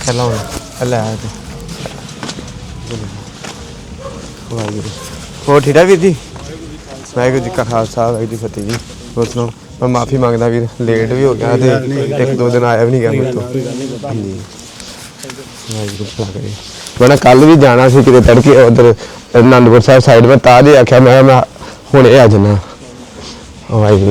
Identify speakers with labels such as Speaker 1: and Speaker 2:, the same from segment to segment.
Speaker 1: चलो ले वाहगुरू हो ठीक है वीर जी वाहगुरू जी का खालसा वाहगुरू जी फतेह जी होर सुनाओ मैं माफ़ी मंगदा वीर लेट भी हो गया तो एक दो दिन आया भी नहीं गया मेरे तो जी वाहगुरू भला करे मैं कल भी जाना सी किते तड़के उधर आनंदपुर साहब साइड में तां जी आख्या मैं हुणे आ जाना वाहगुरू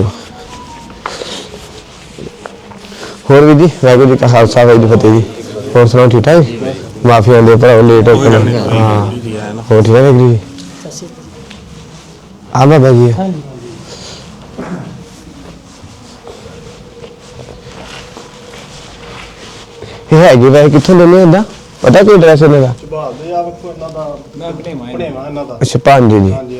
Speaker 1: होर भी जी वाहगुरू जी का खालसा वाहगुरू जी फतेह जी होर सुनाओ ठीक ठाक माफी आंदे भरा लेट हो हाँ हो ठीक है वाहगुरू जी आ बाबा जी ये है जी वैसे कित्थों लेने होंदा पता कोई एड्रैस ਇਹਨਾਂ ਦਾ
Speaker 2: ਸੁਭਾਅ ਆ ਵੇਖੋ ਇਹਨਾਂ ਦਾ ਮੈਂ ਬਣੇਵਾ ਇਹਨਾਂ ਦਾ
Speaker 1: ਅੱਛਾ ਭਾਂਜੀ ਜੀ
Speaker 2: ਹਾਂਜੀ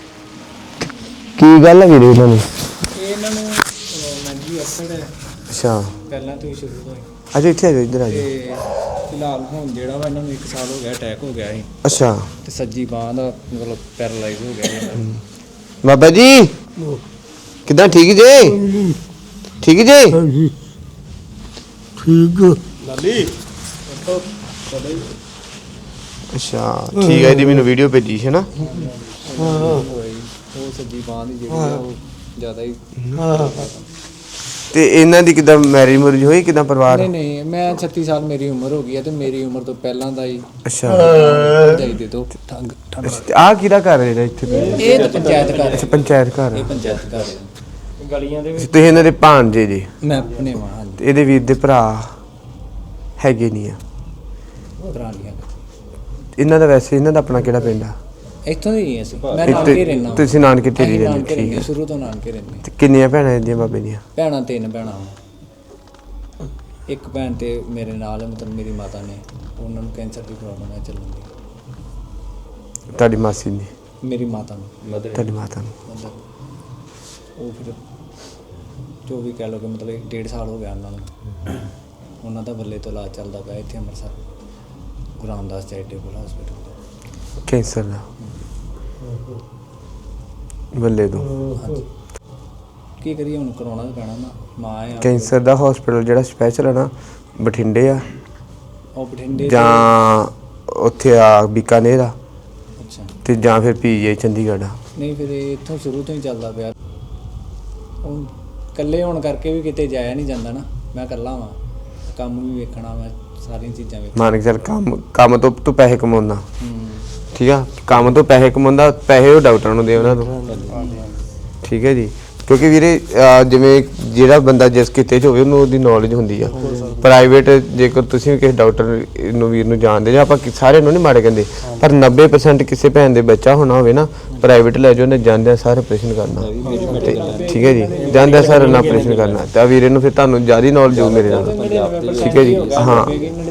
Speaker 1: ਕੀ ਗੱਲ ਹੈ ਵੀਰੇ ਇਹਨਾਂ ਨੂੰ
Speaker 2: ਇਹਨਾਂ ਨੂੰ ਮੈਂਜੀ ਅਸੜ ਹੈ
Speaker 1: ਅੱਛਾ
Speaker 2: ਪਹਿਲਾਂ ਤੋਂ ਹੀ ਸ਼ੁਰੂ ਤੋਂ ਹੀ
Speaker 1: ਅੱਛਾ ਇੱਥੇ ਆ ਜਾਓ ਇੱਧਰ ਆ ਜਾਓ
Speaker 2: ਤੇ ਫਿਲਹਾਲ ਹੁਣ ਜਿਹੜਾ ਵਾ ਇਹਨਾਂ ਨੂੰ 1 ਸਾਲ ਹੋ ਗਿਆ ਅਟੈਕ ਹੋ ਗਿਆ ਸੀ
Speaker 1: ਅੱਛਾ
Speaker 2: ਤੇ ਸੱਜੀ ਬਾਂਹ ਦਾ ਮਤਲਬ ਪੈਰਾਲਾਈਜ਼ ਹੋ ਗਿਆ ਇਹਨਾਂ ਦਾ
Speaker 1: ਬਾਬਾ ਜੀ ਕਿੱਦਾਂ ਠੀਕ ਜੀ ਠੀਕ ਜੀ
Speaker 3: ਹਾਂਜੀ ਠੀਕ
Speaker 2: ਲਾਲੀ
Speaker 1: ਅੱਛਾ ਠੀਕ ਹੈ ਜੀ ਮੈਨੂੰ ਵੀਡੀਓ ਭੇਜੀ ਸੀ ਨਾ
Speaker 2: ਉਹ ਸੱਜੀ ਬਾਂਹ ਦੀ ਜਿਹੜੀ ਆ ਉਹ ਜ਼ਿਆਦਾ ਹੀ
Speaker 1: ਤੇ ਇਹਨਾਂ ਦੀ ਕਿੱਦਾਂ ਮੈਰਿਜ ਮੁਰਜ ਹੋਈ ਕਿੱਦਾਂ ਪਰਿਵਾਰ
Speaker 2: ਨਹੀਂ ਮੈਂ 36 ਸਾਲ ਮੇਰੀ ਉਮਰ ਹੋ ਗਈ ਹੈ ਤੇ ਮੇਰੀ ਉਮਰ ਤੋਂ ਪਹਿਲਾਂ ਦਾ ਹੀ
Speaker 1: ਅੱਛਾ
Speaker 2: ਜਾਈ ਦੇ ਦੋ ਠੰਗ
Speaker 1: ਆ ਕਿਹਦਾ ਘਰ ਹੈ ਜਿਹੜਾ ਇੱਥੇ
Speaker 2: ਇਹ ਤਾਂ ਪੰਚਾਇਤ ਘਰ
Speaker 1: ਅੱਛਾ
Speaker 2: ਹੈ
Speaker 1: ਪੰਚਾਇਤ ਘਰ
Speaker 2: ਇਹ ਪੰਚਾਇਤ ਘਰ ਹੈ ਗਲੀਆਂ ਦੇ ਵਿੱਚ
Speaker 1: ਤੁਸੀਂ ਇਹਨਾਂ ਦੇ ਭਾਣਜੇ ਜੀ
Speaker 2: ਮੈਂ ਆਪਣੇ ਵਾਂ
Speaker 1: ਤੇ ਇਹਦੇ ਵੀਰ ਦੇ ਭਰਾ ਹੈਗੇ ਨਹੀਂ ਆ
Speaker 2: ਪੁਰਾਣੀਆਂ
Speaker 1: ਇਹਨਾਂ ਦਾ ਵੈਸੇ ਇਹਨਾਂ ਦਾ ਆਪਣਾ ਕਿਹੜਾ ਪਿੰਡ ਆ
Speaker 2: ਇੱਥੋਂ ਦੀ ਹੀ ਅਸੀਂ ਮੈਂ ਨਾਨਕੇ ਰਹਿਣਾ
Speaker 1: ਤੁਸੀਂ ਨਾਨਕੇ ਢੇਰੀ ਰਹਿੰਦੇ ਠੀਕ ਹੈ
Speaker 2: ਸ਼ੁਰੂ ਤੋਂ ਨਾਨਕੇ ਰਹਿੰਦੇ
Speaker 1: ਤੇ ਕਿੰਨੀਆਂ ਭੈਣਾਂ ਇਹਦੀਆਂ ਬਾਬੇ ਦੀਆਂ
Speaker 2: ਭੈਣਾਂ 3 ਭੈਣਾਂ ਇੱਕ ਭੈਣ ਤੇ ਮੇਰੇ ਨਾਲ ਹੈ, ਮਤਲਬ ਮੇਰੀ ਮਾਤਾ ਨੇ ਉਹਨਾਂ ਨੂੰ ਕੈਂਸਰ ਦੀ ਪ੍ਰੋਬਲਮ ਹੈ ਚੱਲਣ ਦੀ
Speaker 1: ਤੁਹਾਡੀ ਮਾਸੀ ਨੇ
Speaker 2: ਮੇਰੀ ਮਾਤਾ ਨੂੰ
Speaker 1: ਤੁਹਾਡੀ ਮਾਤਾ ਨੂੰ
Speaker 2: ਮਤਲਬ ਉਹ ਫਿਰ ਜੋ ਵੀ ਕਹਿ ਲਓ ਕਿ ਮਤਲਬ 1.5 ਸਾਲ ਹੋ ਗਿਆ ਉਹਨਾਂ ਨੂੰ ਉਹਨਾਂ ਦਾ ਬੱਲੇ ਤੋਂ ਇਲਾਜ ਚੱਲਦਾ ਪਿਆ ਇੱਥੇ Amritsar Guru Ramdas charitable hospital
Speaker 1: cancer ਦਾ ਬੱਲੇ ਤੋਂ
Speaker 2: ਹਾਂਜੀ ਕੀ ਕਰੀਏ ਹੁਣ ਕਰਾਉਣਾ ਤਾਂ ਪੈਣਾ ਨਾ ਮਾਂ ਆ
Speaker 1: ਕੈਂਸਰ ਦਾ ਹਸਪੀਟਲ ਜਿਹੜਾ ਸਪੈਸ਼ਲ ਹੈ ਨਾ ਬਠਿੰਡੇ ਆ
Speaker 2: ਉਹ ਬਠਿੰਡੇ
Speaker 1: ਜਾਂ ਉੱਥੇ ਆ ਬੀਕਾਨੇਰ ਆ
Speaker 2: ਅੱਛਾ
Speaker 1: ਤੇ ਜਾਂ ਫਿਰ ਪੀਜੀਆਈ ਚੰਡੀਗੜ੍ਹ ਆ
Speaker 2: ਨਹੀਂ ਫਿਰ ਇਹ ਇੱਥੋਂ ਸ਼ੁਰੂ ਤੋਂ ਹੀ ਚੱਲਦਾ ਪਿਆ ਉਹ ਇਕੱਲੇ ਹੋਣ ਕਰਕੇ ਵੀ ਕਿਤੇ ਜਾਇਆ ਨਹੀਂ ਜਾਂਦਾ ਨਾ ਮੈਂ ਇਕੱਲਾ ਵਾਂ ਕੰਮ ਵੀ ਵੇਖਣਾ ਮੈਂ ਸਾਰੀਆਂ ਚੀਜ਼ਾਂ ਵੇਖਣਾ
Speaker 1: ਮੰਨ ਕੇ ਚੱਲ ਕੰਮ ਤੋਂ ਤੂੰ ਪੈਸੇ ਕਮਾਉਂਦਾ
Speaker 2: ਹੂੰ
Speaker 1: ਠੀਕ ਆ ਕੰਮ ਤੋਂ ਪੈਸੇ ਕਮਾਉਂਦਾ ਪੈਸੇ ਉਹ ਡਾਕਟਰਾਂ ਨੂੰ ਦੇ ਉਹਨਾਂ ਨੂੰ ਠੀਕ ਹੈ ਜੀ ਕਿਉਂਕਿ ਵੀਰੇ ਜਿਵੇਂ ਜਿਹੜਾ ਬੰਦਾ ਜਿਸ ਕਿਤੇ 'ਚ ਹੋਵੇ ਉਹਨੂੰ ਉਹਦੀ ਨੌਲੇਜ ਹੁੰਦੀ ਆ ਪ੍ਰਾਈਵੇਟ ਜੇਕਰ ਤੁਸੀਂ ਵੀ ਕਿਸੇ ਡਾਕਟਰ ਨੂੰ ਵੀਰ ਨੂੰ ਜਾਣਦੇ ਜਾਂ ਆਪਾਂ ਸਾਰਿਆਂ ਨੂੰ ਨਹੀਂ ਮਾੜੇ ਕਹਿੰਦੇ ਪਰ 90% ਕਿਸੇ ਭੈਣ ਦੇ ਬੱਚਾ ਹੋਣਾ ਹੋਵੇ ਨਾ ਪ੍ਰਾਈਵੇਟ ਲੈ ਜਾਓ ਉਹਨੇ ਜਾਂਦਿਆਂ ਸਾਰਾ ਆਪਰੇਸ਼ਨ ਕਰਨਾ ਤੇ ਠੀਕ ਹੈ ਜੀ ਜਾਂਦਿਆਂ ਸਾਰਾ ਨਾ ਆਪਰੇਸ਼ਨ ਕਰਨਾ ਤਾਂ ਵੀਰੇ ਨੂੰ ਫਿਰ ਤੁਹਾਨੂੰ ਜ਼ਿਆਦਾ ਨੌਲੇਜ ਹੋ ਮੇਰੇ ਨਾਲ ਠੀਕ ਹੈ ਜੀ ਹਾਂ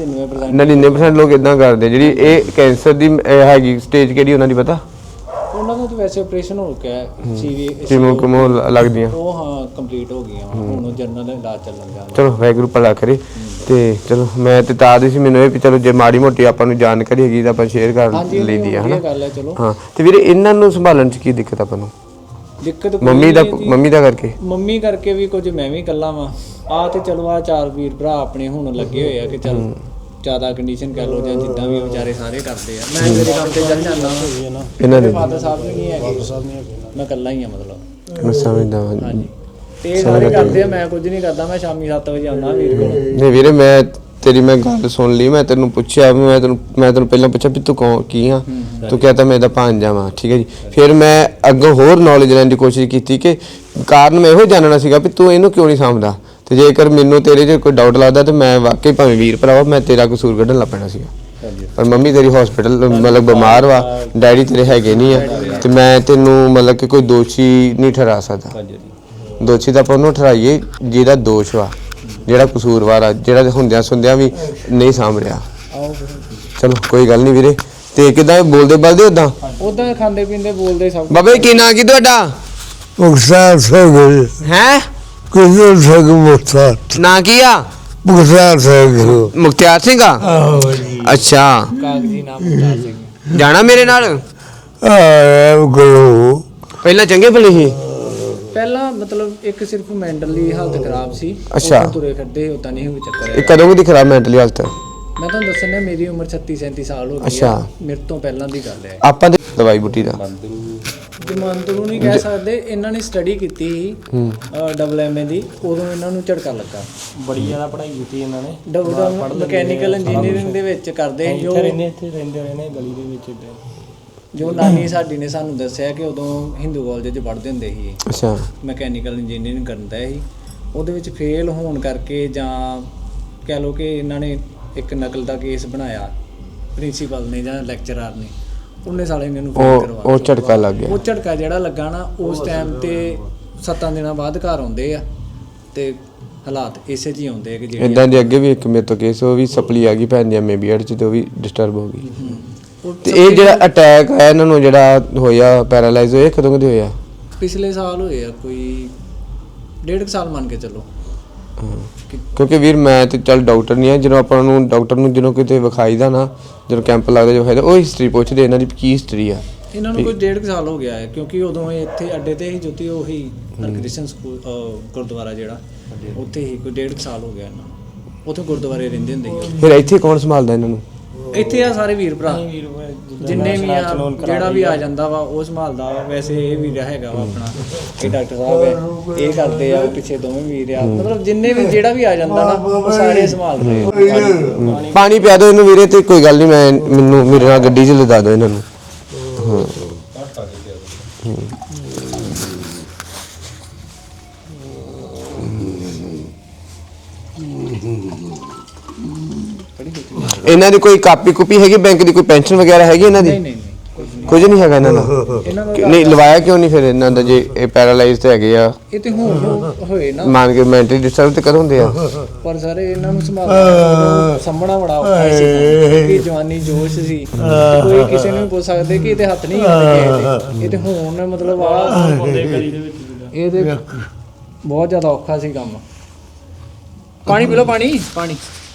Speaker 1: 99% ਲੋਕ ਇਦਾਂ ਕਰਦੇ ਜਿਹੜੀ ਇਹ ਕੈਂਸਰ ਦੀ ਹੈਗੀ ਸਟੇਜ ਕਿਹੜੀ ਉਹਨਾਂ ਦੀ ਪਤਾ
Speaker 2: ਉਹਨਾਂ ਦਾ ਤਾਂ ਵੈਸੇ ਆਪਰੇਸ਼ਨ ਹੋ ਗਿਆ ਸੀਵੀ
Speaker 1: ਕਿਮੋ ਲੱਗਦੀਆਂ
Speaker 2: ਉਹ ਹਾਂ ਕੰਪਲੀਟ ਹੋ ਗਈਆਂ ਹੁਣ ਉਹ ਜਨਰਲ ਇਲਾਜ ਚੱਲਣ ਗਿਆ
Speaker 1: ਚਲੋ ਵਾਹਿਗੁਰੂ ਭਲਾ ਕਰੇ ਤੇ ਚਲੋ ਮੈਂ ਤੇ ਤਾਂ ਦੀ ਸੀ ਮੈਨੂੰ ਇਹ ਵੀ ਚਲੋ ਜੇ ਮਾੜੀ ਮੋਟੀ ਆਪਾਂ ਨੂੰ ਜਾਣਕਾਰੀ ਹੈਗੀ ਤਾਂ ਆਪਾਂ ਸ਼ੇਅਰ ਕਰ ਲਈਦੀ ਆ ਹਨਾ
Speaker 2: ਗੱਲ ਹੈ ਚਲੋ
Speaker 1: ਹਾਂ ਤੇ ਵੀਰੇ ਇਹਨਾਂ ਨੂੰ ਸੰਭਾਲਣ ਚ ਕੀ ਦਿੱਕਤ ਆਪਾਂ ਨੂੰ
Speaker 2: ਦਿੱਕਤ
Speaker 1: ਮੰਮੀ ਦਾ ਕਰਕੇ
Speaker 2: ਮੰਮੀ ਕਰਕੇ ਵੀ ਕੁਝ ਮੈਂ ਵੀ ਇਕੱਲਾ ਵਾਂ ਆ ਤੇ ਚਲੋ ਆ 4 ਵੀਰ ਭਰਾ ਆਪਣੇ ਹੁਣ ਲੱਗੇ ਹੋਏ ਆ ਕਿ ਚਲ ਜ਼ਿਆਦਾ ਕੰਡੀਸ਼ਨ ਕਹਿ ਲਓ ਜਾਂ ਜਿੱਦਾਂ ਵੀ ਵਿਚਾਰੇ ਸਾਰੇ ਕਰਦੇ ਆ ਮੈਂ ਮੇਰੇ ਕੰਮ ਤੇ ਚੱਲ ਜਾਂਦਾ
Speaker 1: ਇਹਨਾਂ ਦੇ
Speaker 2: ਫਾਦਰ ਸਾਹਿਬ ਵੀ ਨਹੀਂ ਹੈਗੇ ਮੈਂ ਇਕੱਲਾ ਹੀ ਆ ਮਤਲਬ
Speaker 1: ਮੈਂ ਸਮਝਦਾ
Speaker 2: ਹਾਂਜੀ ਤੇ ਇਹ ਸਾਰੇ ਕਰਦੇ ਆ ਮੈਂ ਕੁਝ ਨਹੀਂ ਕਰਦਾ ਮੈਂ ਸ਼ਾਮੀ 7 ਵਜੇ ਆਉਣਾ ਵੀਰ ਕੋਲ
Speaker 1: ਨਹੀਂ ਵੀਰੇ ਮੈਂ ਤੇਰੀ ਮੈਂ ਗੱਲ ਸੁਣ ਲਈ ਮੈਂ ਤੈਨੂੰ ਪੁੱਛਿਆ ਮੈਂ ਤੈਨੂੰ ਪਹਿਲਾਂ ਪੁੱਛਿਆ ਵੀ ਤੂੰ ਕੀ ਆ ਤੂੰ ਕਹਿੰਦਾ ਮੈਂ ਇਹਦਾ ਭਾਂਜਾ ਵਾਂ ਠੀਕ ਹੈ ਜੀ ਫਿਰ ਮੈਂ ਅੱਗੋਂ ਹੋਰ ਨੌਲੇਜ ਲੈਣ ਦੀ ਕੋਸ਼ਿਸ਼ ਕੀਤੀ ਕਿ ਕਾਰਨ ਮੈਂ ਇਹੋ ਜਾਣਨਾ ਸੀਗਾ ਵੀ ਤੂੰ ਇਹਨੂੰ ਕਿਉਂ ਨਹੀਂ ਸਮਝਦਾ ਤੇ ਜੇਕਰ ਮੈਨੂੰ ਤੇਰੇ 'ਚ ਕੋਈ ਡਾਊਟ ਲੱਗਦਾ ਤੇ ਮੈਂ ਵਾਕਈ ਭਾਵੇਂ ਵੀਰ ਭਰਾਵਾ ਮੈਂ ਤੇਰਾ ਕਸੂਰ ਕੱਢਣ ਲੱਗ ਪੈਣਾ ਸੀਗਾ ਪਰ ਮੰਮੀ ਤੇਰੀ ਹਸਪੀਟਲ ਮਤਲਬ ਬਿਮਾਰ ਵਾ ਡੈਡੀ ਤੇਰੇ ਹੈਗੇ ਨਹੀਂ ਆ ਤੇ ਮੈਂ ਤੈਨੂੰ ਮਤਲਬ ਕਿ ਕੋਈ ਦੋਸ਼ੀ ਨਹੀਂ ਠਹਿਰਾ ਸਕਦਾ ਦੋਸ਼ੀ ਤਾਂ ਆਪਾਂ ਉਹਨੂੰ ਠਹਿਰਾਈਏ ਜਿਹਦਾ ਦੋਸ਼ ਵਾ ਜਿਹੜਾ ਕਸੂਰਵਾਰ ਆ ਜਿਹੜਾ ਹੁੰਦਿਆਂ ਸੁਣਦਿਆਂ ਵੀ ਨਹੀਂ ਸਾਂਭ ਰਿਹਾ ਚਲੋ ਕੋਈ ਗੱਲ ਨਹੀਂ ਵੀਰੇ ਤੇ ਕਿੱਦਾਂ ਬੋਲਦੇ ਉਦਾਂ
Speaker 2: ਖਾਂਦੇ ਪੀਂਦੇ ਬੋਲਦੇ ਸਭ
Speaker 1: ਬਾਬੇ ਕੀ ਨਾਂ ਕੀ ਤੁਹਾਡਾ
Speaker 3: ਮੁਖਤਾਰ ਸਿੰਘ
Speaker 1: ਹੈ
Speaker 3: ਕਿਹਦੇ ਸਿੰਘ ਮੁਖਤਾਰ
Speaker 1: ਨਾਂ ਕੀ ਆ
Speaker 3: ਮੁਖਤਾਰ ਸਿੰਘ
Speaker 1: ਮੁਖਤਿਆਰ ਸਿੰਘ ਆ
Speaker 3: ਆਹੋ ਜੀ
Speaker 1: ਅੱਛਾ
Speaker 2: ਕਾਗਜ਼ੀ ਨਾਮ ਮੁਖਤਾਰ ਸਿੰਘ
Speaker 1: ਜਾਣਾ ਮੇਰੇ ਨਾਲ
Speaker 3: ਗਲੋ
Speaker 1: ਪਹਿਲਾਂ ਚੰਗੇ ਭਲੇ ਸੀ
Speaker 2: ਪਹਿਲਾਂ ਮਤਲਬ ਇੱਕ ਸਿਰਫ ਮੈਂਟਲੀ ਹਾਲਤ ਖਰਾਬ ਸੀ
Speaker 1: ਅੱਛਾ
Speaker 2: ਤੁਰੇ ਫਿਰਦੇ ਉਦਾਂ ਨਹੀਂ ਕੋਈ ਚੱਕਰ
Speaker 1: ਇਹ ਕਦੋਂ ਦੀ ਖਰਾਬ ਮੈਂਟਲੀ ਹਾਲਤ
Speaker 2: ਮੈਂ ਤੁਹਾਨੂੰ ਦੱਸਣਾ ਮੇਰੀ ਉਮਰ 36-37 ਸਾਲ ਹੋ ਗਈ
Speaker 1: ਅੱਛਾ।
Speaker 2: ਆ, ਮੇਰੇ ਤੋਂ ਪਹਿਲਾਂ ਦੀ ਗੱਲ ਹੈ।
Speaker 1: ਆਪਾਂ ਤੇ ਦਵਾਈ ਬੂਟੀ ਦਾ
Speaker 2: ਜਮਾਨਤ ਨੂੰ ਨਹੀਂ ਕਹਿ ਸਕਦੇ, ਇਹਨਾਂ ਨੇ ਸਟੱਡੀ ਕੀਤੀ ਸੀ ਡਬਲ ਐਮਏ ਦੀ, ਉਦੋਂ ਇਹਨਾਂ ਨੂੰ ਝਟਕਾ ਲੱਗਾ।
Speaker 4: ਬੜੀ ਜ਼ਿਆਦਾ ਪੜ੍ਹਾਈ ਕੀਤੀ ਇਹਨਾਂ ਨੇ।
Speaker 2: ਡਬਲ ਮਕੈਨੀਕਲ ਇੰਜੀਨੀਅਰਿੰਗ ਦੇ ਵਿੱਚ ਕਰਦੇ ਸੀ,
Speaker 4: ਇੱਥੇ ਰਹਿੰਦੇ ਰਹੇ ਨੇ ਗਲੀ ਦੇ ਵਿੱਚ ਇੱਦਾਂ।
Speaker 2: ਜੋ ਨਾਨੀ ਸਾਡੀ ਨੇ ਸਾਨੂੰ ਦੱਸਿਆ ਕਿ ਉਦੋਂ ਹਿੰਦੂ ਕਾਲਜ 'ਚ ਪੜ੍ਹਦੇ ਹੁੰਦੇ ਸੀ,
Speaker 1: ਅੱਛਾ
Speaker 2: ਮਕੈਨੀਕਲ ਇੰਜੀਨੀਅਰਿੰਗ ਕਰਦਾ ਸੀ। ਉਹਦੇ ਵਿੱਚ ਫੇਲ ਹੋਣ ਕਰਕੇ ਜਾਂ ਕਹਿ ਲਓ ਕਿ ਇਹਨਾਂ ਨੇ ਇੱਕ ਨਕਲ ਦਾ ਕੇਸ ਬਣਾਇਆ ਪ੍ਰਿੰਸੀਪਲ ਨੇ ਜਾਂ ਲੈਕਚਰਰ ਨੇ, ਉਹਨੇ ਸਾਲੇ ਇਹਨਾਂ ਨੂੰ ਫੇਲ ਕਰਵਾ
Speaker 1: ਉਹ ਝਟਕਾ ਲੱਗ ਗਿਆ।
Speaker 2: ਉਹ ਝਟਕਾ ਜਿਹੜਾ ਲੱਗਾ ਨਾ, ਉਸ ਟਾਈਮ ਤੇ 7 ਦਿਨਾਂ ਬਾਅਦ ਘਰ ਆਉਂਦੇ ਆ ਤੇ ਹਾਲਾਤ ਇਸੇ 'ਚ ਹੀ ਆਉਂਦੇ ਆ ਕਿ ਜਿਹੜੇ
Speaker 1: ਇਦਾਂ ਦੇ ਅੱਗੇ ਵੀ ਇੱਕ ਮੇਰੇ ਤੋਂ ਕੇਸ, ਉਹ ਵੀ ਸਪਲੀ ਆ ਗਈ ਭੈਣ ਦੀ ਐਮਏ ਬੀਐਡ ਚ, ਤੇ ਉਹ ਵੀ ਡਿਸਟਰਬ ਹੋ ਗਈ। ਤੇ ਇਹ ਜਿਹੜਾ ਅਟੈਕ ਆਇਆ ਇਹਨਾਂ ਨੂੰ, ਜਿਹੜਾ ਹੋਇਆ ਪੈਰਾਲਾਈਜ਼ ਹੋਇਆ, ਕਦੋਂ ਕਦੇ ਹੋਇਆ?
Speaker 2: ਪਿਛਲੇ ਸਾਲ ਹੋਏ ਆ, ਕੋਈ 1.5 ਸਾਲ ਮੰਨ ਕੇ ਚੱਲੋ।
Speaker 1: ਕਿਉਂਕਿ ਵੀਰ ਮੈਂ ਤੇ ਚੱਲ ਡਾਕਟਰ ਨਹੀਂ ਆ, ਜਦੋਂ ਆਪਾਂ ਨੂੰ ਡਾਕਟਰ ਨੂੰ ਜਦੋਂ ਕਿਤੇ ਵਿਖਾਈਦਾ ਨਾ, ਜਦੋਂ ਕੈਂਪ ਲੱਗਦਾ ਜੋ ਵਿਖਾਈਦਾ, ਉਹ ਹਿਸਟਰੀ ਪੁੱਛਦੇ ਇਹਨਾਂ ਦੀ ਕੀ ਹਿਸਟਰੀ ਆ।
Speaker 2: ਇਹਨਾਂ ਨੂੰ ਕੋਈ 1.5 ਸਾਲ ਹੋ ਗਿਆ ਹੈ, ਕਿਉਂਕਿ ਉਦੋਂ ਇਹ ਇੱਥੇ ਅੱਡੇ ਤੇ ਹੀ ਜੋਤੀ ਉਹੀ ਹਰਕ੍ਰਿਸ਼ਨ ਸਕੂਲ ਗੁਰਦੁਆਰਾ ਜਿਹੜਾ ਉੱਥੇ ਹੀ ਕੋਈ 1.5 ਸਾਲ ਹੋ ਗਿਆ ਇਹਨਾਂ ਨੂੰ। ਉੱਥੇ ਗੁਰਦੁਆਰੇ ਰਹਿੰਦੇ ਹੁੰਦੇ ਸੀ।
Speaker 1: ਫਿਰ ਇੱਥੇ ਕੌਣ ਸੰਭਾਲਦਾ ਇਹਨਾਂ ਨੂੰ?
Speaker 2: ਇੱਥੇ ਆ ਸਾਰੇ ਵੀਰ ਭਰਾ ਜਿੰਨੇ ਵੀ ਆ, ਜਿਹੜਾ ਵੀ ਆ ਜਾਂਦਾ ਵਾ ਉਹ ਸੰਭਾਲਦਾ ਵਾ। ਵੈਸੇ ਇਹ ਵੀਰ ਹੈਗਾ ਵਾ ਆਪਣਾ, ਇਹ ਡਾਕਟਰ ਸਾਹਿਬ ਹੈ, ਇਹ ਕਰਦੇ ਆ, ਉਹ ਪਿੱਛੇ ਦੋਵੇਂ ਵੀਰ ਆ, ਮਤਲਬ ਜਿੰਨੇ ਵੀ ਜਿਹੜਾ ਵੀ ਆ ਜਾਂਦਾ ਨਾ ਉਹ ਸਾਰੇ ਸੰਭਾਲਦੇ ਆ।
Speaker 1: ਪਾਣੀ ਪਿਆ ਦਿਓ ਇਹਨੂੰ ਵੀਰੇ, ਤੇ ਕੋਈ ਗੱਲ ਨਹੀਂ, ਮੈਨੂੰ ਮੇਰੇ ਨਾਲ ਗੱਡੀ 'ਚ ਲਿਜਾ ਦਿਓ ਇਹਨਾਂ ਨੂੰ। ਹਾਂ ਇਹਨਾਂ ਦੀ ਕੋਈ ਕਾਪੀ ਕੁਪੀ ਹੈਗੀ ਬੈਂਕ ਦੀ, ਕੋਈ ਪੈਨਸ਼ਨ ਵਗੈਰਾ ਹੈਗੀ ਇਹਨਾਂ ਦੀ?
Speaker 2: ਨਹੀਂ
Speaker 1: ਕੁਝ ਨਹੀਂ ਹੈਗਾ ਇਹਨਾਂ ਦਾ।
Speaker 2: ਇਹਨਾਂ ਦਾ
Speaker 1: ਨਹੀਂ ਲਵਾਇਆ ਕਿਉਂ ਨਹੀਂ ਫਿਰ ਇਹਨਾਂ ਦਾ, ਜੇ ਇਹ ਪੈਰਾਲਾਈਜ਼ ਤੇ ਹੈਗੇ ਆ?
Speaker 2: ਇਹ ਤੇ ਹੁਣ ਹੋਏ ਨਾ,
Speaker 1: ਮੰਨ ਕੇ ਮੈਂਟਲੀ ਡਿਸਟਰਬ ਤੇ ਕਦੋਂ ਹੁੰਦੇ ਆ?
Speaker 2: ਪਰ ਸਾਰੇ ਇਹਨਾਂ ਨੂੰ ਸੰਭਾਲਣਾ ਸਾਂਭਣਾ ਬੜਾ ਔਖਾ ਸੀ, ਕਿਉਂਕਿ ਜਵਾਨੀ ਜੋਸ਼ ਸੀ। ਕੋਈ ਕਿਸੇ ਨੂੰ ਪੁੱਛ ਸਕਦੇ ਕਿ ਇਹਦੇ ਹੱਥ ਨਹੀਂ ਆਉਂਦੇ, ਇਹ ਤੇ ਹੁਣ ਮਤਲਬ ਆ ਇਹ ਤੇ ਬਹੁਤ ਜ਼ਿਆਦਾ ਔਖਾ ਸੀ ਕੰਮ। ਪਾਣੀ ਪੀ ਲਓ, ਪਾਣੀ ਪਾਣੀ।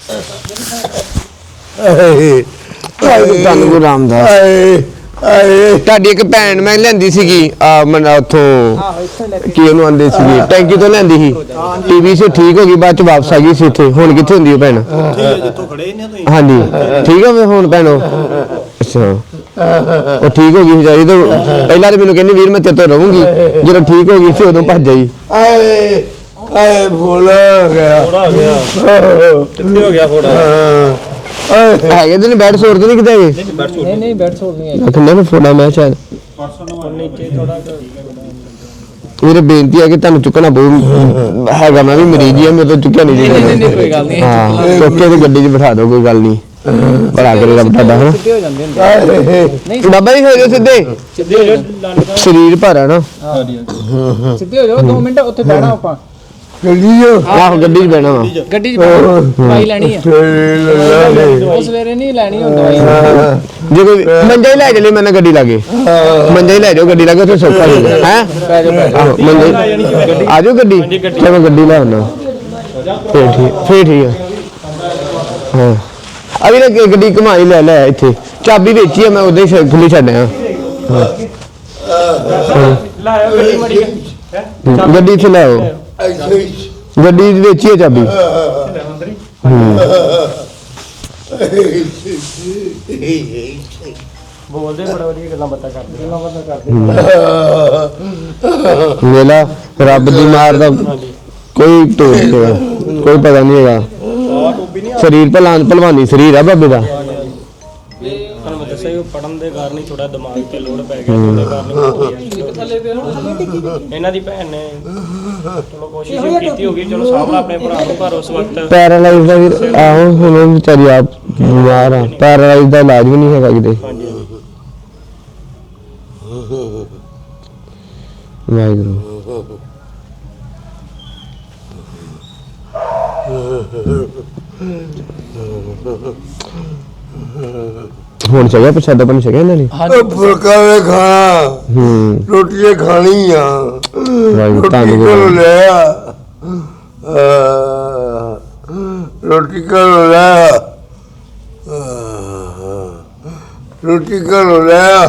Speaker 1: ਧੰਨ ਗੁਰੂ ਰਾਮਦਾਸ। ਤੁਹਾਡੀ ਇੱਕ ਭੈਣ ਮੈਂ ਲੈਂਦੀ ਸੀਗੀ ਮਨ ਉੱਥੋਂ ਕੀ ਉਹਨੂੰ ਆਂਦੇ ਸੀਗੇ, ਟੈਂਕੀ ਤੋਂ ਲੈਂਦੀ ਸੀ, ਟੀਵੀ ਸੇ ਠੀਕ ਹੋ ਗਈ, ਬਾਅਦ ਚ ਵਾਪਸ ਆ ਗਈ ਸੀ ਇੱਥੇ। ਹੁਣ ਕਿੱਥੇ ਹੁੰਦੀ ਉਹ ਭੈਣ? ਹਾਂਜੀ ਠੀਕ ਆ ਹੁਣ ਭੈਣ ਉਹ? ਅੱਛਾ ਉਹ ਠੀਕ ਹੋ ਗਈ ਸੀ ਜਾਈ, ਤਾਂ ਪਹਿਲਾਂ ਤਾਂ ਮੈਨੂੰ ਕਹਿੰਦੀ ਵੀਰ ਮੈਂ ਤੇਰੇ ਤੋਂ ਰਹੂੰਗੀ, ਜਦੋਂ ਠੀਕ ਹੋ ਗਈ ਸੀ ਉਦੋਂ ਭੱਜ ਜਾਈ।
Speaker 3: ਆਏ ਫੋੜਾ ਗਿਆ
Speaker 4: ਕਿੱਥੇ ਹੋ ਗਿਆ ਫੋੜਾ?
Speaker 1: ਹੈਗੇ ਤੇ ਨਹੀਂ ਬੈਡ ਸੋਰ ਤੇ ਨਹੀਂ ਕਿਤੇ ਹੈਗੇ?
Speaker 2: ਨਹੀਂ ਬੈਠ ਸਕਦੀ ਹੈ।
Speaker 1: ਕਹਿੰਦੇ ਨੇ ਫੋੜਾ ਮੈਂ ਸ਼ਾਇਦ
Speaker 4: ਨੀਚੇ ਥੋੜਾ
Speaker 1: ਮੇਰੇ ਬੇਨਤੀ ਹੈ ਕਿ ਤੁਹਾਨੂੰ ਚੁੱਕਣਾ ਬਹੁਤ ਹੈਗਾ, ਮੈਂ ਵੀ ਮਰੀਜ਼ ਹੀ ਆ, ਮੇਰੇ ਤੋਂ ਚੁੱਕਿਆ ਨਹੀਂ
Speaker 2: ਨਹੀਂ ਕੋਈ ਗੱਲ ਨਹੀਂ,
Speaker 1: ਹਾਂ ਚੁੱਕ ਕੇ ਤੇ ਗੱਡੀ 'ਚ ਬਿਠਾ ਦਿਓ, ਕੋਈ ਗੱਲ ਨਹੀਂ, ਭਲਾ ਕਰੇਗਾ ਤੁਹਾਡਾ ਹਨਾ।
Speaker 2: ਸਿੱਧੇ ਹੋ ਜਾਂਦੇ ਹੁੰਦੇ।
Speaker 1: ਬਾਬਾ ਜੀ ਹੋ ਜਾਓ ਸਿੱਧੇ,
Speaker 2: ਸਿੱਧੇ ਹੋ ਜਾਓ,
Speaker 1: ਸਰੀਰ ਭਾਰਾ ਨਾ।
Speaker 2: ਸਿੱਧੇ ਹੋ ਜਾਓ, 2 ਮਿੰਟ ਉੱਥੇ ਬਹਿਣਾ ਆਪਾਂ,
Speaker 3: ਗੱਡੀ ਜੋ
Speaker 1: ਆਹੋ ਗੱਡੀ 'ਚ ਬਹਿਣਾ ਵਾ।
Speaker 2: ਗੱਡੀ 'ਚ ਦਵਾਈ ਲੈਣੀ ਆ, ਉਹ ਸਵੇਰੇ ਨਹੀਂ ਲੈਣੀ ਹੁਣ ਦਵਾਈ।
Speaker 1: ਜੇ ਕੋਈ ਮੰਜਾ ਹੀ ਲੈ ਚਲੇ, ਮੈਂ ਨਾ ਗੱਡੀ ਲਾਗੇ, ਮੰਜਾ ਹੀ ਲੈ ਜਾਓ ਗੱਡੀ ਲਾਗੇ, ਉੱਥੇ ਸੌਖਾ ਹੋ ਜਾਏਗਾ ਹੈ। ਆਹੋ ਮੰਜਾ ਆ ਜਾਓ ਗੱਡੀ, ਚਲੋ ਗੱਡੀ ਲੈ ਆਉਣਾ, ਫੇਰ ਠੀਕ ਹੈ। ਹਾਂ ਅਭੀ ਨਾ ਗੱਡੀ ਘੁਮਾਈ ਲੈ ਇੱਥੇ, ਚਾਬੀ ਵੇਚੀ ਆ ਮੈਂ, ਉਦੋਂ ਹੀ ਖੁੱਲੀ ਛੱਡਿਆ। ਗੱਡੀ 'ਚ ਲੈ ਆਓ, ਗੱਡੀ ਵੇਚੀ ਆ ਚਾਬੀ।
Speaker 4: ਬੋਲਦੇ ਬੜਾ ਵਧੀਆ ਗੱਲਾਂ ਬਾਤਾਂ ਕਰਦੇ।
Speaker 1: ਵੇਲਾ ਰੱਬ ਦੀ ਮਾਰ ਦਾ ਕੋਈ ਟੋਕ ਨਹੀਂ ਹੈਗਾ, ਕੋਈ ਪਤਾ ਨਹੀਂ ਹੈਗਾ। ਸਰੀਰ ਭਲਵਾਨੀ ਸਰੀਰ ਆ ਬਾਬੇ ਦਾ।
Speaker 4: ਤੁਹਾਨੂੰ ਮੈਂ ਦੱਸਿਆ ਉਹ ਪੜਨ ਦੇ ਕਾਰਨ ਹੀ ਥੋੜਾ ਦਿਮਾਗ ਤੇ ਲੋਡ ਪੈ ਗਿਆ, ਉਹਦੇ ਕਾਰਨ ਇਹਨਾਂ ਦੀ ਭੈਣ ਨੇ ਚਲੋ ਕੋਸ਼ਿਸ਼ ਕੀਤੀ ਹੋਗੀ, ਚਲੋ ਸਾਹਮਣਾ ਆਪਣੇ ਭਰਾ ਨੂੰ, ਪਰ ਉਸ ਵਕਤ
Speaker 1: ਪੈਰਾਲਾਈਜ਼ ਦਾ ਵੀ ਆਹੋ ਹੁਣ ਵਿਚਾਰੀ ਆਪ ਬਿਮਾਰ ਆ, ਪੈਰਾਲਾਈਜ਼ ਦਾ ਇਲਾਜ ਵੀ ਨਹੀਂ ਹੈਗਾ ਕਿਤੇ। ਵਾਹਿਗੁਰੂ ਹੁਣ ਚੱਲਿਆ ਪ੍ਰਸ਼ਾਦਾ ਪਾਣੀ ਛਕਿਆ ਇਹਨਾਂ ਨੇ?
Speaker 3: ਫੁਲਕਾ ਵੇ ਖਾਣਾ, ਰੋਟੀ ਖਾਣੀ ਆ,
Speaker 1: ਵਾਹਿਗੁਰੂ
Speaker 3: ਰੋਟੀ
Speaker 1: ਧੰਨ
Speaker 3: ਕੋਲ
Speaker 1: ਗੁਰੂ।
Speaker 3: ਲੈ ਆ, ਰੋਟੀ ਕੋਲ ਲੈ ਆ, ਰੋਟੀ ਕੋਲ ਲੈ ਆ।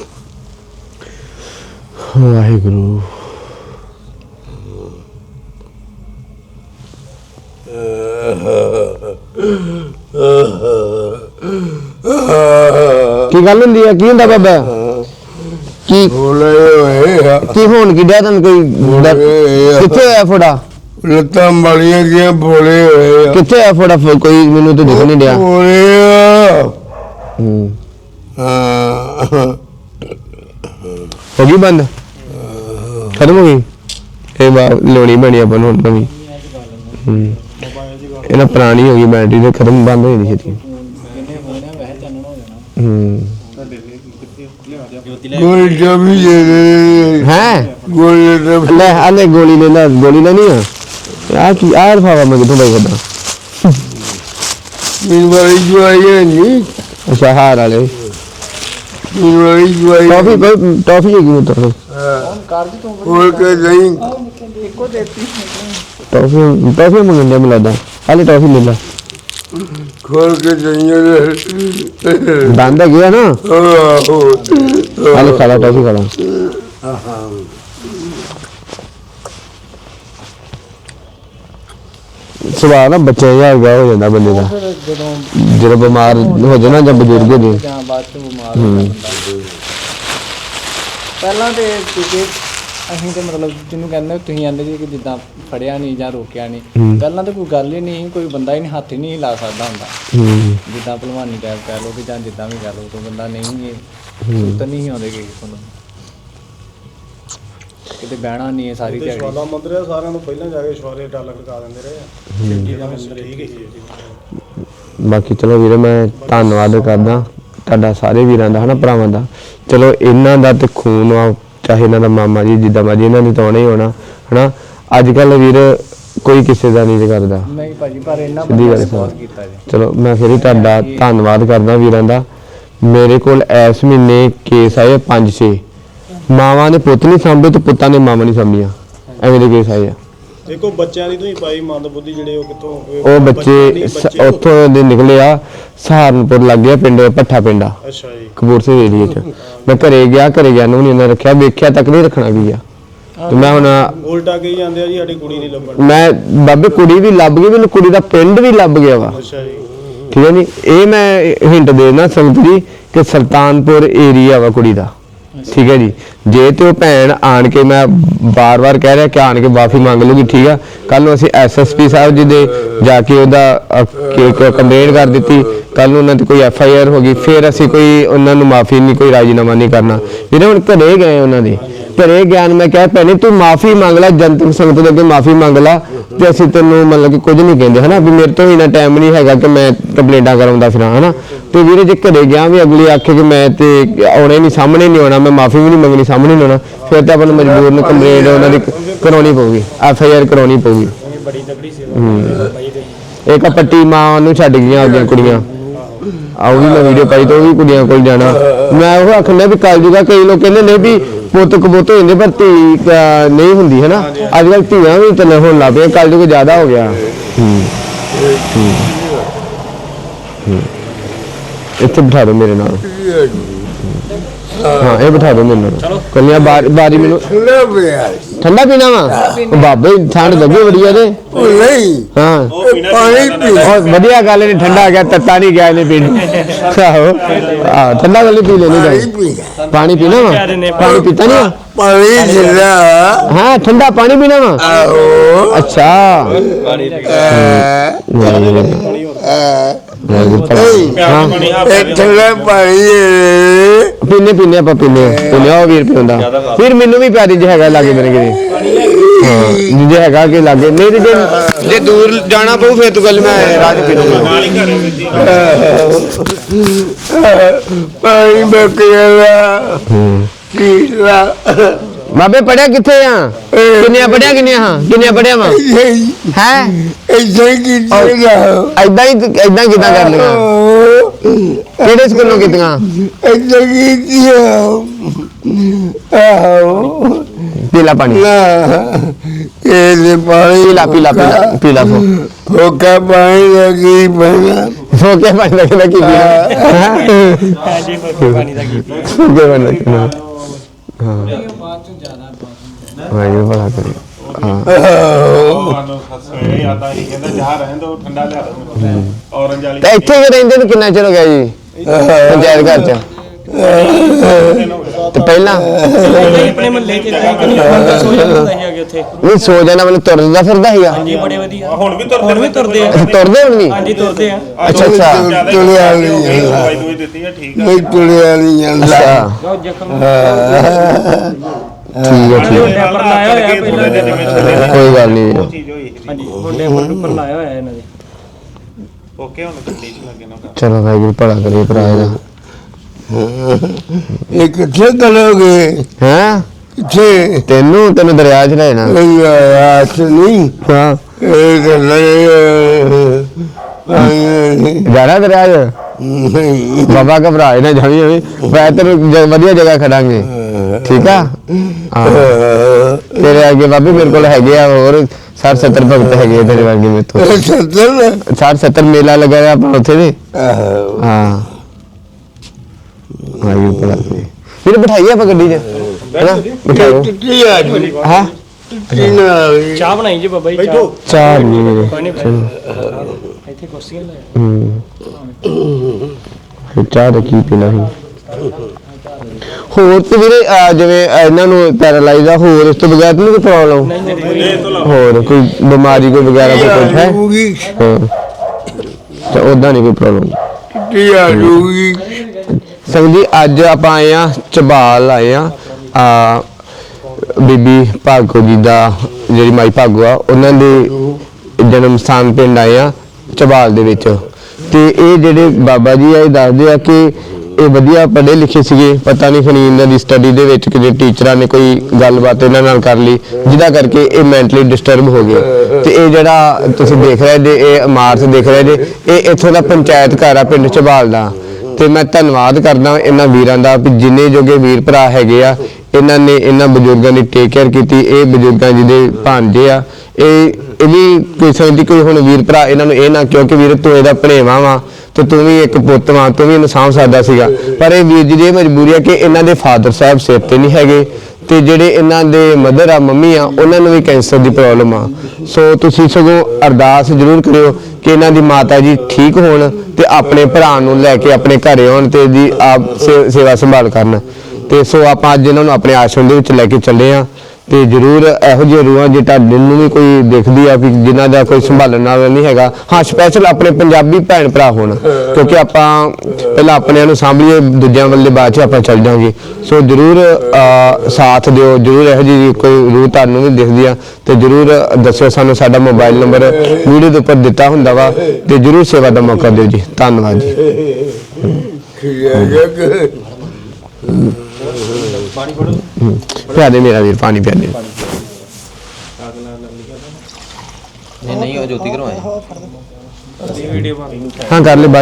Speaker 1: ਵਾਹਿਗੁਰੂ ਕੀ ਹੁੰਦਾ ਬਾਬਾ ਕੀ
Speaker 3: ਬੋਲੇ ਹੋਏ ਆ
Speaker 1: ਕੀ ਹੋਣ ਕੀ ਡਿਆ ਤੁਹਾਨੂੰ ਕੋਈ ਕਿੱਥੇ ਹੋਇਆ ਫੋੜਾ
Speaker 3: ਲੱਤਾਂ ਮਾਰੀਆਂ ਗਿਆ ਬੋਲੇ ਹੋਏ ਆ
Speaker 1: ਕਿੱਥੇ ਹੋਇਆ ਫੋੜਾ ਕੋਈ ਮੈਨੂੰ ਤਾਂ ਦਿਖ ਨਹੀਂ ਡਿਆ
Speaker 3: ਬੋਲੇ ਆ ਹਾਂ
Speaker 1: ਹੋ ਗਈ ਬੰਦ ਖਤਮ ਹੋ ਗਈ ਇਹ ਲੋਣੀ ਬਣੀ ਆਪਾਂ ਨੂੰ ਨਵੀਂ ਇਹਨਾਂ ਪੁਰਾਣੀ ਹੋ ਗਈ ਬੈਟਰੀ ਤੇ ਖਤਮ ਬੰਦ ਹੋ ਜਾਂਦੀ ਛੇਤੀ
Speaker 3: ਗੋਲੀ ਜਮੀ ਜੇ
Speaker 1: ਹੈ
Speaker 3: ਗੋਲੀ
Speaker 1: ਲੈ ਆਲੇ ਗੋਲੀ ਲੈ ਨਹੀਂ ਆ ਕੀ ਆਰ ਫਾਵਾ ਮੈਂ ਕਿਥੋਂ ਬਾਈ ਕਰਦਾ
Speaker 3: ਮੀਨ ਵਾਲੀ ਜਵਾਈ ਨਹੀਂ
Speaker 1: ਅੱਛਾ ਹਾਰ ਵਾਲੇ
Speaker 3: ਮੀਨ ਵਾਲੀ ਜਵਾਈ
Speaker 1: ਟੌਫੀ ਹੈਗੀ ਮੁੱਤਰ
Speaker 3: ਹੋਰ ਕੇ ਨਹੀਂ
Speaker 2: ਇੱਕੋ ਦੇਤੀ
Speaker 1: ਟੌਫੀ ਮੰਗਣ ਦੇ ਮਿਲਦਾ ਹਾਲੇ ਟੌਫੀ ਲੈ ਲਾ
Speaker 3: ਖੋਲ ਕੇ ਜਾਈਏ
Speaker 1: ਬੰਦ ਹੈ ਗਿਆ ਨਾ ਹਾਲੇ ਖਾਲਾ ਟੌਫੀ ਖਾਲਾ ਸੁਭਾਅ ਨਾ ਬੱਚੇ ਯਾਰ ਗਿਆ ਹੋ ਜਾਂਦਾ ਬੰਦੇ ਦਾ ਜਦੋਂ ਬਿਮਾਰ ਹੋ ਜਾਣਾ ਜਾਂ ਬਜ਼ੁਰਗ ਹੋ ਜੇ
Speaker 2: ਜਾਂ ਬਾਅਦ ਚ ਬਿਮਾਰ ਹੋ ਜਾਂਦਾ ਪਹਿਲਾਂ ਤੇ ਕਿਉਂਕਿ ਅਸੀਂ ਤੇ ਮਤਲਬ ਜਿਹਨੂੰ ਕਹਿੰਦੇ ਤੁਸੀਂ ਕਹਿੰਦੇ ਜੀ ਕਿ ਜਿੱਦਾਂ ਫੜਿਆ ਨਹੀਂ ਜਾਂ ਰੋਕਿਆ ਨਹੀਂ ਪਹਿਲਾਂ ਤਾਂ ਕੋਈ ਗੱਲ ਹੀ ਨਹੀਂ ਕੋਈ ਬੰਦਾ ਹੀ ਨਹੀਂ ਹੱਥ ਹੀ ਨਹੀਂ ਲਾ ਸਕਦਾ ਹੁੰਦਾ ਜਿੱਦਾਂ ਭਲਵਾਨੀ ਟਾਈਪ ਕਹਿ ਲਓ ਕਿ ਜਾਂ ਜਿੱਦਾਂ ਵੀ ਕਹਿ ਲਓ ਕੋਈ ਬੰਦਾ ਨਹੀਂ ਸੁੱਤ ਨਹੀਂ ਆਉਂਦੇ ਕਿਸੇ ਨੂੰ ਕਿਤੇ ਬਹਿਣਾ ਨਹੀਂ ਹੈ ਸਾਰੀ ਦਿਹਾੜੀ
Speaker 5: ਸ਼ਵਾਲਾ ਮੰਦਰ ਆ ਸਾਰਿਆਂ ਨੂੰ ਪਹਿਲਾਂ ਜਾ ਕੇ ਸ਼ਵਾਲੇ ਡਾਲਰ ਲਗਾ ਦਿੰਦੇ ਰਹੇ ਆ ਜਿਹਦਾ ਮੰਦਰ ਠੀਕ ਹੈ
Speaker 1: ਬਾਕੀ ਚਲੋ ਵੀਰੇ ਮੈਂ ਧੰਨਵਾਦ ਕਰਦਾ ਤੁਹਾਡਾ ਸਾਰੇ ਵੀਰਾਂ ਦਾ ਹਨਾ ਭਰਾਵਾਂ ਦਾ ਚਲੋ ਇਹਨਾਂ ਦਾ ਤੇ ਖੂਨ ਆ ਚਾਹੇ ਇਹਨਾਂ ਦਾ ਮਾਮਾ ਜੀ ਜਿੱਦਾਂ ਮਰਜੀ ਇਹਨਾਂ ਨੇ ਤਾਂ ਆਉਣਾ ਹੀ ਹੋਣਾ ਹਨਾ ਅੱਜ ਕੱਲ ਵੀਰ ਕੋਈ ਕਿਸੇ ਦਾ ਨਹੀਂ ਕਰਦਾ
Speaker 2: ਨਹੀਂ ਭਾਜੀ ਪਰ ਇਹਨਾਂ
Speaker 1: ਸਿੱਧੀ ਗੱਲ
Speaker 2: ਬਹੁਤ ਕੀਤਾ ਜੀ
Speaker 1: ਚਲੋ ਮੈਂ ਫਿਰ ਹੀ ਤੁਹਾਡਾ ਧੰਨਵਾਦ ਕਰਦਾ ਵੀਰਾਂ ਦਾ ਮੇਰੇ ਕੋਲ ਇਸ ਮਹੀਨੇ ਕੇਸ ਆਏ 5-6 ਮਾਵਾਂ ਨੇ ਪੁੱਤ ਨਹੀਂ ਸਾਂਭੇ ਤੇ ਪੁੱਤਾਂ ਨੇ ਮਾਵਾਂ ਨਹੀਂ ਸਾਂਭੀਆਂ ਐਵੇਂ ਦੇ ਕੇਸ ਆਏ ਆ
Speaker 5: ਦੇਖੋ ਬੱਚਿਆਂ ਦੀ ਤੁਸੀਂ ਪਾਈ ਮੰਦਬੁੱਧੀ ਜਿਹੜੇ ਉਹ ਕਿੱਥੋਂ
Speaker 1: ਉਹ ਬੱਚੇ ਉੱਥੋਂ ਦੇ ਨਿਕਲੇ ਆ ਸਹਾਰਨਪੁਰ ਲੱਗ ਗਿਆ ਪਿੰਡ ਭੱਠਾ ਪਿੰਡਾ
Speaker 5: ਅੱਛਾ ਜੀ
Speaker 1: ਕਪੂਰਥਲੇ ਏਰੀਏ 'ਚ ਮੈਂ ਘਰੇ ਗਿਆ ਨੂੰ ਨਹੀਂ ਇਹਨਾਂ ਰੱਖਿਆ ਵੇਖਿਆ ਤੱਕ ਨਹੀਂ ਰੱਖਣਾ ਕੀ ਆ ਤੇ ਮੈਂ ਹੁਣ
Speaker 5: ਉਲਟਾ ਕਹੀ ਜਾਂਦੇ ਆ ਜੀ ਸਾਡੀ ਕੁੜੀ ਨਹੀਂ ਲੱਭਣ
Speaker 1: ਮੈਂ ਬਾਬੇ ਕੁੜੀ ਵੀ ਲੱਭ ਗਈ ਮੈਨੂੰ ਕੁੜੀ ਦਾ ਪਿੰਡ ਵੀ ਲੱਭ ਗਿਆ ਵਾ
Speaker 5: ਅੱਛਾ ਜੀ
Speaker 1: ਠੀਕ ਹੈ ਜੀ ਇਹ ਮੈਂ ਹਿੰਟ ਦੇ ਦੇਣਾ ਸੰਗਤ ਜੀ ਕਿ ਸੁਲਤਾਨਪੁਰ ਏਰੀਆ ਵਾ ਕੁੜੀ ਦਾ ਠੀਕ ਹੈ ਜੀ ਜੇ ਤੇ ਉਹ ਭੈਣ ਆਣ ਕੇ ਮੈਂ ਬਾਰ-ਬਾਰ ਕਹਿ ਰਿਹਾ ਕਿ ਆਣ ਕੇ ਮਾਫੀ ਮੰਗ ਲੂਗੀ ਠੀਕ ਆ ਕੱਲ ਨੂੰ ਅਸੀਂ ਐਸਐਸਪੀ ਸਾਹਿਬ ਜੀ ਦੇ ਜਾ ਕੇ ਉਹਦਾ ਕੰਪਲੇਂਟ ਕਰ ਦਿੱਤੀ ਕੱਲ ਨੂੰ ਉਹਨਾਂ ਤੇ ਕੋਈ ਐਫਆਈਆਰ ਹੋ ਗਈ ਫਿਰ ਅਸੀਂ ਕੋਈ ਉਹਨਾਂ ਨੂੰ ਮਾਫੀ ਨਹੀਂ ਕੋਈ ਰਾਜੀਨਾਮਾ ਨਹੀਂ ਕਰਨਾ ਵੀਰੇ ਹੁਣ ਘਰੇ ਗਏ ਉਹਨਾਂ ਦੇ ਘਰੇ ਗਿਆਨ ਮੈਂ ਕਿਹਾ ਭੈਣੇ ਤੂੰ ਮਾਫੀ ਮੰਗ ਲੈ ਜਨਤਕ ਸੰਗਤ ਦੇ ਅੱਗੇ ਮਾਫੀ ਮੰਗ ਲੈ ਤੇ ਅਸੀਂ ਤੈਨੂੰ ਮਤਲਬ ਕਿ ਕੁਝ ਨਹੀਂ ਕਹਿੰਦੇ ਹਨਾ ਵੀ ਮੇਰੇ ਤੋਂ ਇੰਨਾ ਟਾਈਮ ਨਹੀਂ ਹੈਗਾ ਕਿ ਮੈਂ ਕੰਪਲੇਂਟਾਂ ਕਰਾਉਂਦਾ ਫਿਰਾਂ ਹਨਾ ਤੇ ਵੀਰੇ ਜੇ ਘਰੇ ਗਿਆ ਵੀ ਅਗਲੀ ਆਖੇ ਕਿ ਮੈਂ ਤੇ ਆਉਣੇ ਨਹੀਂ ਸਾਹਮਣੇ ਨਹੀਂ ਆਉਣਾ ਮੈਂ ਮਾਫੀ ਵੀ ਨਹੀਂ ਮੰਗਣੀ ਸਾਹਮਣੇ ਨਹੀਂ ਆਉਣਾ ਫਿਰ ਤਾਂ ਆਪਾਂ ਨੂੰ ਮਜਬੂਰ ਨੂੰ ਕੰਪਲੇਂਟ ਉਹਨਾਂ ਦੀ ਕਰਾਉਣੀ ਪਊਗੀ ਐਫਆਈਆਰ ਕਰਾਉਣੀ ਪਊਗੀ
Speaker 5: ਬੜੀ ਤਕੜੀ ਸੇਵਾ
Speaker 1: ਇੱਕ ਪੱਟੀ ਮਾਂ ਨੂੰ ਛੱਡ ਗਈਆਂ ਆਪਣੀਆਂ ਕੁੜੀਆਂ ਆਉ ਵੀ ਮੈਂ ਵੀਡੀਓ ਪਾਈ ਤੇ ਉਹ ਵੀ ਕੁੜੀਆਂ ਕੋਲ ਜਾਣਾ ਮੈਂ ਉਹ ਆਖਣਾ ਵੀ ਕੱਲ ਜੂਗਾ ਕਈ ਲੋਕ ਕਹਿੰਦੇ ਨੇ ਵੀ ਪੁੱਤ ਕਬੂਤ ਹੋ ਜਾਂਦੇ ਪਰ ਧੀ ਨਹੀਂ ਹੁੰਦੀ ਹੈ ਨਾ ਅੱਜ ਕੱਲ ਧੀਆਂ ਵੀ ਚੱਲ ਹੋਣ ਲੱਗ ਪਈਆਂ ਕੱਲ ਜੂਗਾ ਜ਼ਿਆਦਾ ਹੋ ਗਿਆ ਇੱਥੇ ਬਿਠਾ ਦਿਓ ਮੇਰੇ ਨਾਲ ਹਾਂ ਇਹ ਬਿਠਾ ਦਿਓ ਮੇਰੇ ਨਾਲ ਕੱਲੀਆਂ ਬਾਰੀ ਮੈਨੂੰ ਠੰਡਾ ਪੀਣਾ ਵਾ ਬਾਬੇ ਠੰਡ ਲੱਗੀ ਬੜੀ ਆ ਤੇ
Speaker 3: ਉਹ ਨਹੀਂ
Speaker 1: ਹਾਂ
Speaker 3: ਪਾਣੀ ਪੀ
Speaker 1: ਵਧੀਆ ਗੱਲ ਨਹੀਂ ਠੰਡਾ ਆ ਗਿਆ ਤੱਤਾ ਨਹੀਂ ਗਿਆ ਇਹਨੇ ਪੀਣੀ ਆਹੋ ਠੰਡਾ ਗੱਲ ਪੀ ਲੈਣੀ ਪਾਣੀ ਪੀਣਾ ਵਾ ਪਾਣੀ ਪੀਤਾ ਨਹੀਂ
Speaker 3: ਪਾਣੀ ਜਿੰਨਾ
Speaker 1: ਹਾਂ ਠੰਡਾ ਪਾਣੀ ਪੀਣਾ ਵਾ
Speaker 3: ਆਹੋ
Speaker 1: ਅੱਛਾ
Speaker 3: ਠੰਡਾ ਪਾਣੀ
Speaker 1: ਪੀਨੇ ਆਪਾਂ ਪੀਨੇ ਉਹ ਵੀਰ ਪਿਉਂਦਾ ਫਿਰ ਮੈਨੂੰ ਵੀ ਪਿਆਰੀ ਜੇ ਹੈਗਾ ਲਾਗੇ ਮੇਰੇ ਕਿਤੇ ਹਾਂ ਜੇ ਹੈਗਾ ਕਿ ਲਾਗੇ ਨਹੀਂ ਤੇ ਜੇ ਦੂਰ ਜਾਣਾ ਪਊ ਫਿਰ ਤੂੰ ਗੱਲ ਮੈਂ ਰਾਜ ਪੀ ਲੂੰਗਾ
Speaker 3: ਪਾਣੀ ਬਕਿਆ ਕੀਲਾ
Speaker 1: ਬਾਬੇ ਪੜਿਆ ਕਿੱਥੇ ਆ ਕਿੰਨੀਆਂ ਪੜਿਆ ਵਾ ਹੈ
Speaker 3: ਐਦਾਂ ਹੀ ਕੀਤਾ
Speaker 1: ਐਦਾਂ ਕਿਦਾਂ ਕਰ ਲਗਾ ਕਿਹੜੇ ਸਕੂਲੋਂ ਕੀਤੀਆਂ
Speaker 3: ਐਦਾਂ ਕੀਤਾ ਆਹੋ
Speaker 1: ਪੀਲਾ ਪਾਣੀ
Speaker 3: ਇਹ ਪਾਣੀ
Speaker 1: ਪੀਲਾ
Speaker 3: ਫੋਕਾ ਪਾਣੀ ਲੱਗੀ ਪੈਣਾ
Speaker 1: ਫੋਕੇ ਪਾਣੀ ਦਾ ਕੀ ਪੀਣਾ
Speaker 4: ਜੀ ਕੋਈ ਪਾਣੀ ਦਾ ਕੀ
Speaker 1: ਫੋਕੇ ਪਾਣੀ ਦਾ ਹਾਂ
Speaker 2: ਬਾਅਦ ਚ ਜ਼ਿਆਦਾ
Speaker 1: ਵਾਹਿਗੁਰੂ ਭਲਾ ਕਰੇ ਹਾਂ
Speaker 5: ਇਹ ਆਦਾ ਹੀ ਕਹਿੰਦਾ ਜਾ ਰਹਿਣ ਦੋ ਠੰਡਾ ਲਿਆ ਦੋ ਔਰੰਜ ਵਾਲੀ
Speaker 1: ਤੇ ਇੱਥੇ ਵੀ ਰਹਿੰਦੇ ਨੂੰ ਕਿੰਨਾ ਚਿਰ ਹੋ ਗਿਆ ਜੀ ਪੰਚਾਇਤ ਘਰ ਚ ਤੇ ਪਹਿਲਾਂ
Speaker 4: ਆਪਣੇ ਮਹੱਲੇ 'ਚ ਇਦਾਂ ਕਿ ਨਹੀਂ ਸੋ ਜਾਂਦਾ ਸੀ ਅੱਗੇ ਉੱਥੇ
Speaker 1: ਨਹੀਂ ਸੋ ਜਾਣਾ ਮੈਨੂੰ ਤੁਰਦਾ ਫਿਰਦਾ ਸੀਗਾ
Speaker 4: ਹਾਂਜੀ ਬੜੇ ਵਧੀਆ
Speaker 6: ਹੁਣ ਵੀ
Speaker 4: ਹੁਣ ਵੀ ਤੁਰਦੇ ਆ
Speaker 1: ਅੱਛਾ ਤੁਰਦੇ ਹੁਣ ਵੀ
Speaker 4: ਹਾਂਜੀ ਤੁਰਦੇ ਆ
Speaker 1: ਅੱਛਾ ਅੱਛਾ
Speaker 3: ਤੁਰਿਆ ਨਹੀਂ
Speaker 6: ਦਵਾਈ ਦੂਈ ਦਿੱਤੀ ਆ ਠੀਕ ਆ
Speaker 3: ਨਹੀਂ ਤੁਰਿਆ ਨਹੀਂ ਜਾਂਦਾ
Speaker 1: ਅੱਛਾ
Speaker 4: ਜੋ ਜ਼ਖਮ
Speaker 1: ਠੀਕ ਹੈ ਠੀਕ ਹੈ।
Speaker 4: ਡੈਪਰ ਲਾਇਆ ਹੋਇਆ ਪਹਿਲਾਂ
Speaker 1: ਕੋਈ ਗੱਲ ਨਹੀਂ ਵੀਰ।
Speaker 6: ਚੀਜ਼ ਹੋਈ ਸੀ
Speaker 4: ਹਾਂਜੀ ਹੁਣ ਡੈਪਰ ਉੱਪਰ ਲਾਇਆ ਹੋਇਆ ਇਹਨਾਂ ਦੇ
Speaker 6: ਓਕੇ ਹੁਣ ਗੱਡੀ 'ਚ ਲੱਗੇ ਨਾ
Speaker 1: ਚਲੋ ਵਾਹਿਗੁਰੂ ਭਲਾ ਕਰੇ ਭਰਾ ਇਹਦਾ
Speaker 3: ਇਹ ਕਿੱਥੇ ਚਲੋਗੇ
Speaker 1: ਹੈਂ
Speaker 3: ਕਿੱਥੇ
Speaker 1: ਤੈਨੂੰ ਦਰਿਆ 'ਚ ਲੈਣਾ
Speaker 3: ਆਸ ਨਹੀਂ
Speaker 1: ਹਾਂ
Speaker 3: ਇਹ ਗੱਲਾਂ
Speaker 1: ਜਾਣਾ ਦਰਿਆ 'ਚ
Speaker 3: ਨਹੀਂ
Speaker 1: ਬਾਬਾ ਘਬਰਾਏ ਨਾ ਜਾਵੀਂ ਮੈਂ ਤੈਨੂੰ ਵਧੀਆ ਜਗ੍ਹਾ ਖੜਾਂਗੇ ਠੀਕ ਆ ਹਾਂ ਤੇਰੇ ਅੱਗੇ ਬਾਬੇ ਮੇਰੇ ਕੋਲ ਹੈਗੇ ਆ ਹੋਰ 60-70 ਭਗਤ ਹੈਗੇ ਆ ਤੇਰੇ ਵਰਗੇ ਮੇਰੇ ਤੋਂ
Speaker 3: ਸੱਜਣ
Speaker 1: 60-70 ਮੇਲਾ ਲੱਗਾ ਹੋਇਆ ਆਪਣਾ ਉੱਥੇ ਦੇ ਹਾਂ ਆਇਓ ਭਲਾ ਫਿਰ ਬਿਠਾਈਏ ਆਪਾਂ ਗੱਡੀ 'ਚ ਹੈਨਾ ਬਿਠਾਓ
Speaker 3: ਕਿੱਥੇ ਆ ਜੀ
Speaker 1: ਹਾਂ
Speaker 3: ਕਿੰਨਾ
Speaker 4: ਚਾਹ ਬਣਾਈ ਜੀ ਬਾਬਾ ਜੀ
Speaker 5: ਬੈਠੋ
Speaker 1: ਚਾਹ ਨਹੀਂ ਮੇਰੇ
Speaker 4: ਕੋਈ ਨਹੀਂ ਇੱਥੇ ਕੁਰਸੀਆਂ ਲਾਇਆ
Speaker 1: ਫਿਰ ਚਾਹ ਦਾ ਕੀ ਪੀਣਾ ਸੀ ਹੋਰ ਤੇ ਵੀਰੇ ਜਿਵੇਂ ਇਹਨਾਂ ਨੂੰ ਪੈਰਾਲਾਈਜ਼ ਆ ਹੋਰ ਇਸ ਤੋਂ ਬਗੈਰ ਤਾਂ ਨਹੀਂ ਕੋਈ ਪ੍ਰੋਬਲਮ ਹੋਰ ਕੋਈ ਬਿਮਾਰੀ ਕੋਈ ਵਗੈਰਾ ਕੋਈ ਕੁਝ ਹੈ
Speaker 3: ਜੂਗੀ
Speaker 1: ਤਾਂ ਉਦਾਂ ਨਹੀਂ ਕੋਈ ਪ੍ਰੋਬਲਮ
Speaker 3: ਕਿੱਥੇ ਆ ਜੂਗੀ
Speaker 1: ਸੰਗ ਜੀ ਅੱਜ ਆਪਾਂ ਆਏ ਆ ਝਬਾਲ ਆਏ ਆ ਬੀਬੀ ਭਾਗੋ ਜੀ ਦਾ ਜਿਹੜੀ ਮਾਈ ਭਾਗੋ ਆ ਉਹਨਾਂ ਦੇ ਜਨਮ ਸਥਾਨ ਪਿੰਡ ਆਏ ਆ ਝਬਾਲ ਦੇ ਵਿੱਚ ਤੇ ਇਹ ਜਿਹੜੇ ਬਾਬਾ ਜੀ ਆ ਇਹ ਦੱਸਦੇ ਆ ਕਿ ਇਹ ਵਧੀਆ ਪੜ੍ਹੇ ਲਿਖੇ ਸੀਗੇ ਪਤਾ ਨਹੀਂ ਖਣੀ ਇਹਨਾਂ ਦੀ ਸਟੱਡੀ ਦੇ ਵਿੱਚ ਕਿਤੇ ਟੀਚਰਾਂ ਨੇ ਕੋਈ ਗੱਲਬਾਤ ਇਹਨਾਂ ਨਾਲ ਕਰ ਲਈ ਜਿਹਦਾ ਕਰਕੇ ਇਹ ਮੈਂਟਲੀ ਡਿਸਟਰਬ ਹੋ ਗਏ ਤੇ ਇਹ ਜਿਹੜਾ ਤੁਸੀਂ ਦੇਖ ਰਹੇ ਜੇ ਇਹ ਇਮਾਰਤ ਦੇਖ ਰਹੇ ਜੇ ਇਹ ਇੱਥੋਂ ਦਾ ਪੰਚਾਇਤ ਘਰ ਆ ਪਿੰਡ ਝਬਾਲ ਦਾ ਤੇ ਮੈਂ ਧੰਨਵਾਦ ਕਰਦਾ ਇਹਨਾਂ ਵੀਰਾਂ ਦਾ ਵੀ ਜਿੰਨੇ ਜੋਗੇ ਵੀਰ ਭਰਾ ਹੈਗੇ ਆ ਇਹਨਾਂ ਨੇ ਇਹਨਾਂ ਬਜ਼ੁਰਗਾਂ ਦੀ ਟੇਕ ਕੇਅਰ ਕੀਤੀ ਇਹ ਬਜ਼ੁਰਗਾਂ ਜਿਹਦੇ ਭਾਂਜੇ ਆ ਇਹ ਵੀ ਕੋਈ ਸਮਝਦੀ ਕੋਈ ਹੁਣ ਵੀਰ ਭਰਾ ਇਹਨਾਂ ਨੂੰ ਇਹ ਨਾ ਕਿਉਂਕਿ ਵੀਰ ਤੂੰ ਇਹਦਾ ਭਣੇਵਾ ਵਾ ਤੇ ਤੂੰ ਵੀ ਇੱਕ ਪੁੱਤ ਵਾਂ ਤੂੰ ਵੀ ਇਹਨੂੰ ਸਾਂਭ ਸਕਦਾ ਸੀਗਾ ਪਰ ਇਹ ਵੀਰ ਜੀ ਦੀ ਇਹ ਮਜਬੂਰੀ ਆ ਕਿ ਇਹਨਾਂ ਦੇ ਫਾਦਰ ਸਾਹਿਬ ਸਿਰ ਤੇ ਨਹੀਂ ਹੈਗੇ ਤੇ ਜਿਹੜੇ ਇਹਨਾਂ ਦੇ ਮਦਰ ਆ ਮੰਮੀ ਆ ਉਹਨਾਂ ਨੂੰ ਵੀ ਕੈਂਸਰ ਦੀ ਪ੍ਰੋਬਲਮ ਆ ਸੋ ਤੁਸੀਂ ਸਗੋਂ ਅਰਦਾਸ ਜ਼ਰੂਰ ਕਰਿਓ ਕਿ ਇਹਨਾਂ ਦੀ ਮਾਤਾ ਜੀ ਠੀਕ ਹੋਣ ਤੇ ਆਪਣੇ ਭਰਾ ਨੂੰ ਲੈ ਕੇ ਆਪਣੇ ਘਰੇ ਆਉਣ ਤੇ ਇਹਦੀ ਆਪ ਸੇਵਾ ਸੰਭਾਲ ਕਰਨ ਤੇ ਸੋ ਆਪਾਂ ਅੱਜ ਇਹਨਾਂ ਨੂੰ ਆਪਣੇ ਆਸ਼ਰਮ ਦੇ ਵਿੱਚ ਲੈ ਕੇ ਚੱਲੇ ਆ ਤੇ ਜ਼ਰੂਰ ਇਹੋ ਜਿਹੇ ਰੂਹਾਂ ਜੇ ਤੁਹਾਡੇ ਨੂੰ ਵੀ ਕੋਈ ਦੇਖਦੀ ਆ ਵੀ ਜਿਨ੍ਹਾਂ ਦਾ ਕੋਈ ਸੰਭਾਲਣ ਵਾਲਾ ਨਹੀਂ ਹੈਗਾ ਹਾਂ ਸਪੈਸ਼ਲ ਆਪਣੇ ਪੰਜਾਬੀ ਭੈਣ ਭਰਾ ਹੋਣ ਕਿਉਂਕਿ ਆਪਾਂ ਪਹਿਲਾਂ ਆਪਣਿਆਂ ਨੂੰ ਸਾਂਭੀਏ ਦੂਜਿਆਂ ਵੱਲੇ ਬਾਅਦ ਚ ਆਪਾਂ ਚੱਲ ਜਾਵਾਂਗੇ ਸੋ ਜ਼ਰੂਰ ਸਾਥ ਦਿਓ ਜ਼ਰੂਰ ਇਹੋ ਜਿਹੀ ਕੋਈ ਰੂਹ ਤੁਹਾਨੂੰ ਵੀ ਦਿਖਦੀ ਆ ਤੇ ਜ਼ਰੂਰ ਦੱਸਿਓ ਸਾਨੂੰ ਸਾਡਾ ਮੋਬਾਈਲ ਨੰਬਰ ਵੀਡੀਓ ਦੇ ਉੱਪਰ ਦਿੱਤਾ ਹੁੰਦਾ ਵਾ ਤੇ ਜ਼ਰੂਰ ਸੇਵਾ ਦਾ ਮੌਕਾ ਦਿਓ ਜੀ ਧੰਨਵਾਦ ਜੀ ਪਿਆ ਦੇ ਮੇਰਾ ਵੀਰ ਪਾਣੀ ਪਿਆ ਦੇ
Speaker 7: ਨਹੀਂ ਉਹ ਜੋਤੀ ਘਰੋਂ ਆਏ
Speaker 4: ਵੀਡੀਓ ਬਣ
Speaker 1: ਹਾਂ ਕਰ ਲੈ